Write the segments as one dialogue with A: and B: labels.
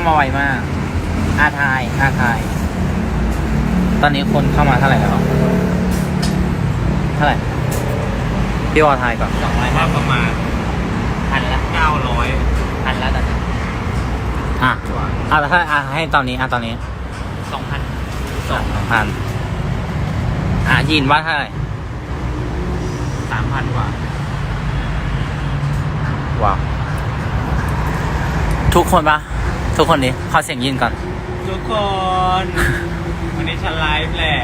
A: มาไวมากอาทายตอนนี้คนเข้ามาเท่าไหร่แล้วเท่าไหร่พี่วอทายก่อน
B: 200ว่าประมาณ900
C: พันแล้วตอนนี้
A: แต่ถ้าให้ตอนนี้ตอนนี้
C: 2,000
A: 2,000ยินว่าเท่าไหร่
B: 3,000 กว่า
A: ว้าวทุกคนนี้ขอเสียงยินก่อน
B: ทุกคนวันนี้ฉันไลฟ์แหละ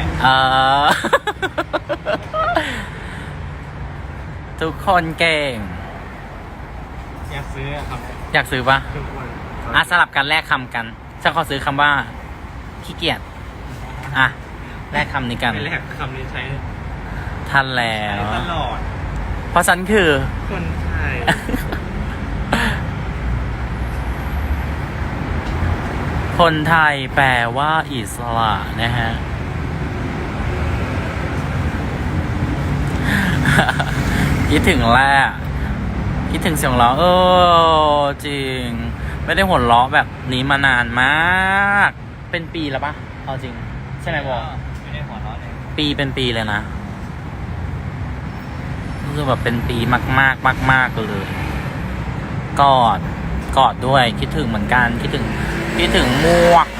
A: ทุกคนเก่ง
B: อยากซื้อครับ
A: อยากซื้อปะ
B: ทุกคน
A: สลับกันแลกคำกันฉันขอซื้อคำว่าขี้เกียจแลกคำนี้กัน
B: ไม่แลกคำนี้ใช้
A: ทันแล้ว
B: ตลอด
A: เพราะฉันคือ
B: คนไทย
A: คนไทยแปลว่าอิสระนะฮะ คิดถึงแรกคิดถึงเสียงร้องจริงไม่ได้หัวเราะแบบนี้มานานมากเป็นปีแล้วปะเอาจริงใช่ไหมวอ
B: ไม่ได้หัวเราะเลย
A: เป็นปีเลยนะรู้สึกแบบเป็นปีมากเลยกอดด้วยคิดถึงเหมือนกันคิดถึงหมวก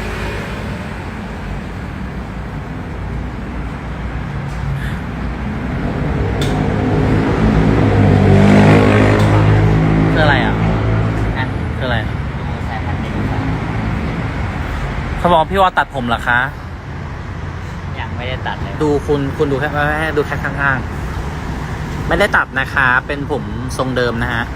A: คืออะไรคืออะไรเขาบอกพี่ว่าตัดผมเหรอคะ
C: ยังไม่ได้ตัดเลย
A: ดูคุณดูแค่ข้างๆไม่ได้ตัดนะคะเป็นผมทรงเดิมนะฮะ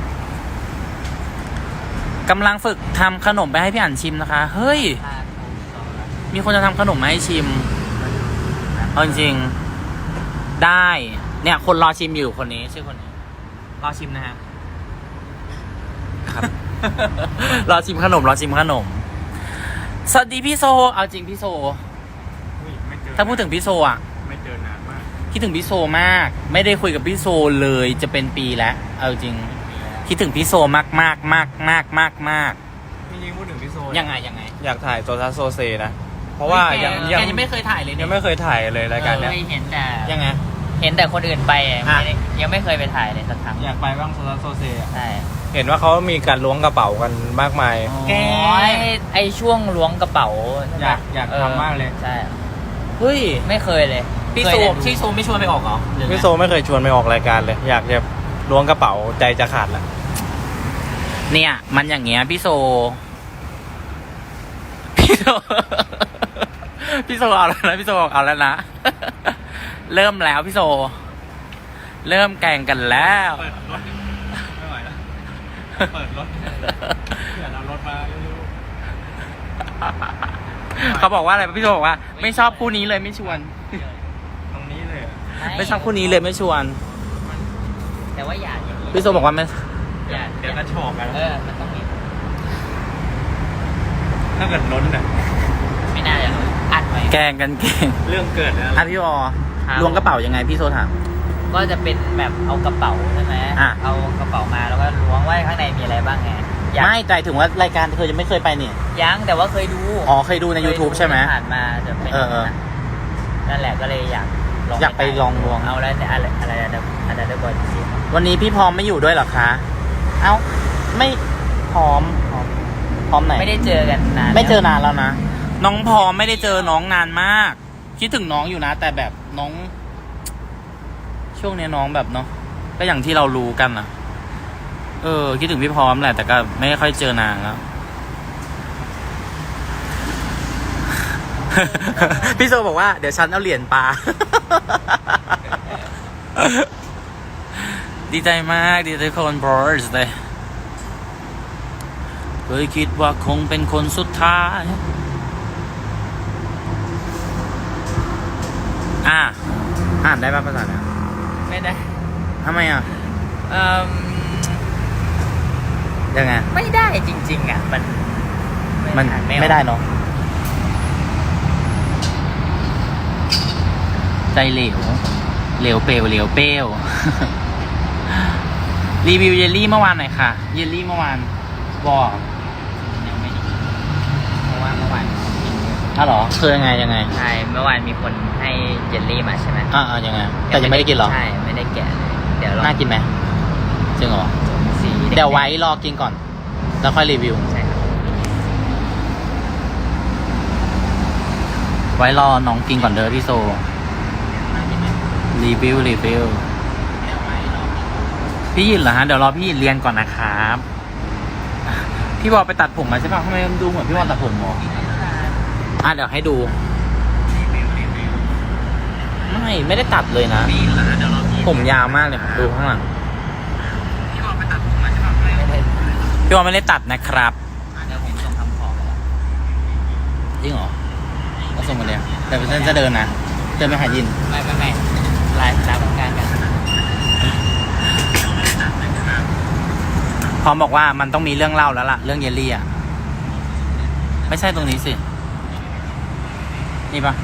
A: กำลังฝึกทำขนมไปให้พี่อั๋นชิมนะคะเฮ้ยมีคนจะทำขนมมาให้ชิมเอาจริงๆได้เนี่ยคนรอชิมอยู่คนนี้ชื่อคนนี้รอชิมนะฮะครับ รอชิมขนมสวัสดีพี่โซเอาจริงพี่โซถ้าพูดถึงพี่โซ
B: ไม่เจอนานมาก
A: คิดถึงพี่โซมากไม่ได้คุยกับพี่โซเลยจะเป็นปีแล้วเอาจริงคิดถึงพี่โซมาก
B: จริงๆพูดถึงพี่โซ
A: ยังไง
B: อยากถ่ายโซซัสโซเซนะเพราะว่า
A: ยังไม่เคยถ่ายเลย
B: ยังไม่เคยถ่ายเลยรายการเนี้ย
C: เคยเห็นแต่
A: ยังไง
C: เห็นแต่คนอื่นไปยังไม่เคยไปถ่ายเลยสักครั้ง
B: อยากไปบ้างโซซัสโซเซอ่ะ
C: ใช่
B: เห็นว่าเขามีการล้วงกระเป๋ากันมากมาย
A: แก
C: ไอช่วงล้วงกระเป๋า
B: อยากทำมากเลย
C: ใช่
A: เฮ้ย
C: ไม่เคยเลย
A: พี่โซไม่ชวนไปออกเหรอ
B: พี่โซไม่เคยชวนไปออกรายการเลย อยากจะล้วงกระเป๋าใจจะขาดละ
A: เนี่ยมันอย่างเงี้ยพี่โซเอาแล้วนะพี่โซเอาแล้วนะ เริ่มแล้วพี่โซเริ่มแกล้งกันแล้ว
B: เปิดรถไม่ไหวแล้วเปิดรถเดี๋ยวเรารถมาเร็ว
A: เขาบอกว่าอะไรพี่โซบอกว่าไม่ชอบคู่นี้เลยไม่ชวน
B: ๆตรงนี้เลย
A: ไม่ชอบคู่นี้เลยไม่ชวน
C: แต่ว่าอยากอย่างนี้
A: พี่โซบอกว่าไม่
C: อยาก
B: เดี๋ยวกระชอกกัน
C: มันต้องมี
B: ถ้าเกิดล้นเนี่ย
C: ไม่น่าจะอัดไว้
A: แกล้งกันเก่ง
B: เรื่องเกิดแล้ว
A: พี่วอล้วงกระเป๋ายังไงพี่โซถาม
C: ก็จะเป็นแบบเอากระเป๋าใช่ไหมเอากระเป๋ามาแล้วก็ล้วงว่าข้างในมีอะไรบ้างไง
A: ไม่ใจถึงว่ารายการเธอยังไม่เคยไปเนี่ย
C: ยังแต่ว่าเคยดู
A: เคยดูใน YouTube ใช่ไหม
C: ผ่านมาจะเป็นนั่นแหละก็เลยอยาก
A: ไปลองล้วง
C: เอาแล้วอะไรได้บอลจริง
A: วันนี้พี่พร้อมไม่อยู่ด้วยเหรอคะเอ้าไม่พร้อมไหน
C: ไม่ได้เจอกันนาน
A: ไม่เจอนานแล้วนะน้องพร้อมไม่ได้เจอน้องนานมากคิดถึงน้องอยู่นะแต่แบบน้องช่วงนี้น้องแบบเนาะก็อย่างที่เรารู้กันนะคิดถึงพี่พร้อมแหละแต่ก็ไม่ค่อยเจอนานแล้ว พี่โซบอกว่าเดี๋ยวฉันเอาเหรียญปลา ดีใจมากดีใจคนบอสเลยเคยคิดว่าคงเป็นคนสุดท้ายอ่านได้ป่ะภาษาเนี่ย
C: ไม่ได้
A: ทำไมยังไง
C: ไม่ได้จริงๆมัน
A: ไม่ได้เนาะใจเหลวเปลวรีวิวเยลลี่เมื่อวานหน่อยค่ะเยลลี่เมื่อวานบอก
C: ยังไม่ได้
A: อ้าวเหรอคือยังไง
C: ใช่เมื่อวานมีคนให้เยลลี่มาใช่ไหม
A: ยังไงแต่ยังไม่ได้กินเหรอ
C: ใช่ไม่ได้แกะเลยเดี๋ยวลอง
A: น่ากินไหมจริงเหรอ
C: สีแดง
A: เดี๋ยวไว้รอกินก่อนแล้วค่อยรีวิว
C: ใช่ครับ
A: ไว้รอน้องกินก่อนเด้อพี่โซรีวิวพี่ยินเหรอฮะเดี๋ยวรอพี่ยินเรียนก่อนนะครับพี่บอลไปตัดผมมาใช่ป่ะทำไมมันดูเหมือนพี่บอลตัดผมหรอเดี๋ยวให้ดูไม่ได้ตัดเลยนะผมยาวมากเลยครับดูข้างหลังพี่บอลไปตัดผมมาใช่ป่ะพี่บอลไม่ได้ตัดนะครับ
C: เดี๋ยวผมส่งทำของไปแล้ว
A: จริงเหรอก็ส่งมาเลยแต่เป็นจะเดินนะเดินไปหายิน
C: ไม่ไลฟ์รับการกัน
A: พร้อมบอกว่ามันต้องมีเรื่องเล่าแล้วล่ะเรื่องเยลลี่อ่ะไม่ใช่ตรงนี้สินี่ปะ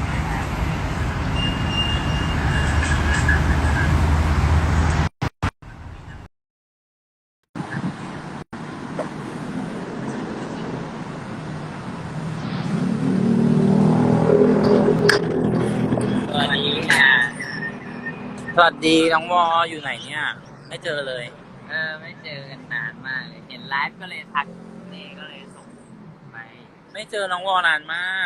A: สวัสดีน้องวออยู่ไหนเนี่ยไม่เจอเลย
C: ไม่เจอกันนานมากเลยเห็นไลฟ์ก็เลยทักนี่ก็เลยส่งไป
A: ไม่เจอน้องวอนานมาก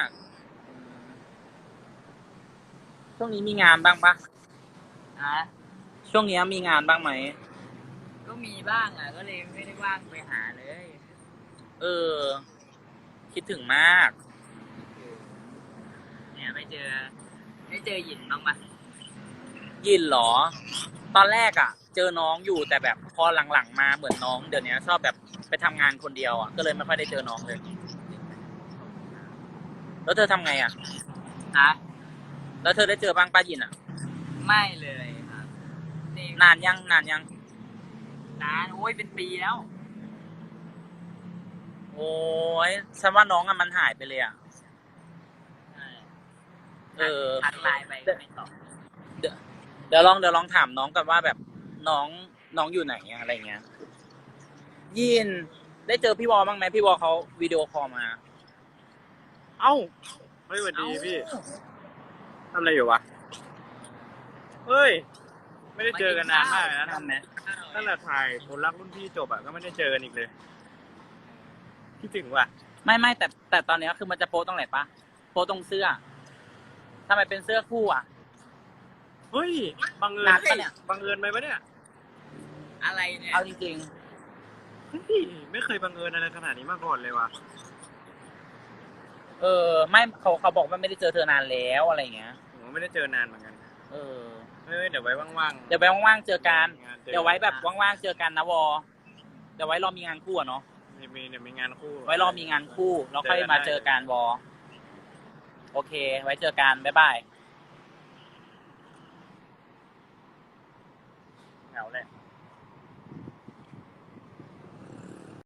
A: ช่วงนี้มีงานบ้างปะ
C: นะ
A: ช่วงนี้มีงานบ้างไหม
C: ก็มีบ้างอ่ะก็เลยไม่ได้ว่างไปหาเลย
A: คิดถึงมาก
C: เนี่ยไม่เจอหยินบ้างปะ
A: ยินเหรอ ตอนแรกอ่ะ เจอน้องอยู่แต่แบบพอหลังๆมาเหมือนน้องเดี๋ยวนี้ชอบแบบไปทำงานคนเดียวอ่ะก็เลยไม่ค่อยได้เจอน้องเลย แล้วเธอทำไงอ่ะ
C: ฮะ
A: แล้วเธอได้เจอบ้างป้ายินอ่ะ
C: ไม่เลยครับนี่
A: นานยัง
C: นานโอ้ยเป็นปีแล้ว
A: โอ้ยฉันว่าน้องอะมันหายไปเลยอ่ะ
C: ทักไลน์ไปก็ไม่ตอบ
A: เดี๋ยวลองถามน้องกันว่าแบบน้องอยู่ไหนอะอะไรเงี้ย ยินได้เจอพี่วอบ้างไหมพี่วอเขาวิดีโอคอลมา
B: เอ้าเฮ้ยสวัสดีพี่ทำอะไรอยู่วะเฮ้ยไม่ได้เจอกันนานมากเลยนะทำไหมตั้งแต่ถ่ายคนรักรุ่นพี่จบอะก็ไม่ได้เจอกันอีกเลยคิดถึงว่ะ
A: ไม่แต่ตอนเนี้ยคือมันจะโพสตรงไหนปะโพสตรงเสื้อทำไมเป็นเสื้อคู่อ่ะ
B: เฮ้ยบังเอิญ
A: นัดปะเนี่ย
B: บังเอิญไหมปะเนี่ย
C: อะไรเนี่ย
A: เอาจริง
B: เฮ้ยไม่เคยบังเอิญอะไรขนาดนี้มาก่อนเลยว่ะ
A: ๆไม่เขาบอกว่าไม่ได้เจอเธอนานแล้วอะไรเงี้ย
B: ผมก็ไม่ได้เจอนานเหมือนกัน
A: เออ
B: เฮ้ยเดี๋ยวไว้ว่างๆ
A: เดี๋ยวไปว่างๆเจอกัน
B: งานจอ
A: เดี๋ยวไว้แบบว่างๆเจอกันนะวอเดี๋ยวไว้รอมีงานคู่อะเนาะ
B: เดี๋ยวมีงานคู่
A: ไว้รอมีงานคู่แล้วค่อยมาเจอกันวอโอเค ไว้เจอกันบ๊ายบาย
B: เหงาแหละ